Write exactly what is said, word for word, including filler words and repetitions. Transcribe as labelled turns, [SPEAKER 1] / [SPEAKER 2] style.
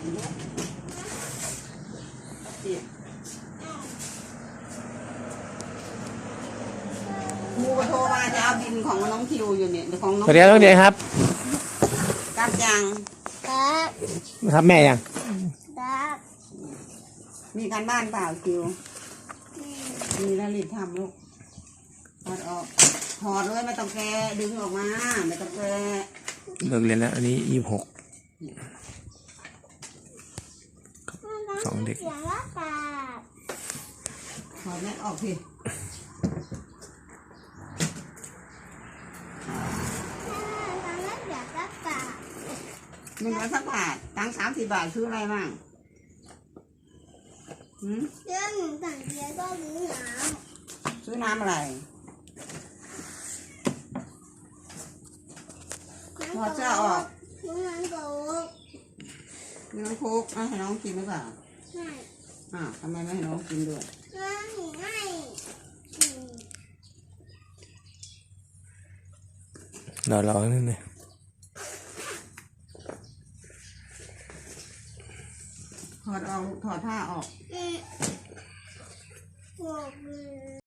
[SPEAKER 1] ครูโทรมาจะเอาบินของน้องทิวอยู่เนี่ยของน้อง
[SPEAKER 2] สวัสดีครับน้องเดียครับ
[SPEAKER 1] กลับยัง
[SPEAKER 3] ครับ
[SPEAKER 2] ครับแม่ยัง
[SPEAKER 3] ครับ
[SPEAKER 1] มีการบ้านเปล่าทิวมีแล้วรีบทำลูกถอดออกถอดเลยไม่ต้องแกะดึงออกมาไม่ต้องแกะ
[SPEAKER 2] เลิกเรียนแล้วอันนี้ยี่สิบหกสองเด็ก
[SPEAKER 3] เสียงละกาด
[SPEAKER 1] ถอดแม่ออกสิ
[SPEAKER 3] ทำให้เสียงละกาด
[SPEAKER 1] หนึ่งร้อยสักบาทตังสามสิบบาทซื้ออะไรบ้างหืม
[SPEAKER 3] เรื่องหนึ่งสั่งเสียก็รู้หนาว
[SPEAKER 1] ซื้อน้ำอะไรถอดเสื้อออก
[SPEAKER 3] น้ำมันโกก
[SPEAKER 1] มีน้องคุกเอาให้น้องกินหรือเปล่า
[SPEAKER 3] ไม่
[SPEAKER 1] อ่าวทำไมไม่ให้น้องกินด้วย
[SPEAKER 3] ไม่ไม่อืม
[SPEAKER 2] รอรอนิดนึง
[SPEAKER 1] ถอดออกถอดผ้าออก
[SPEAKER 3] อืมโกกเลย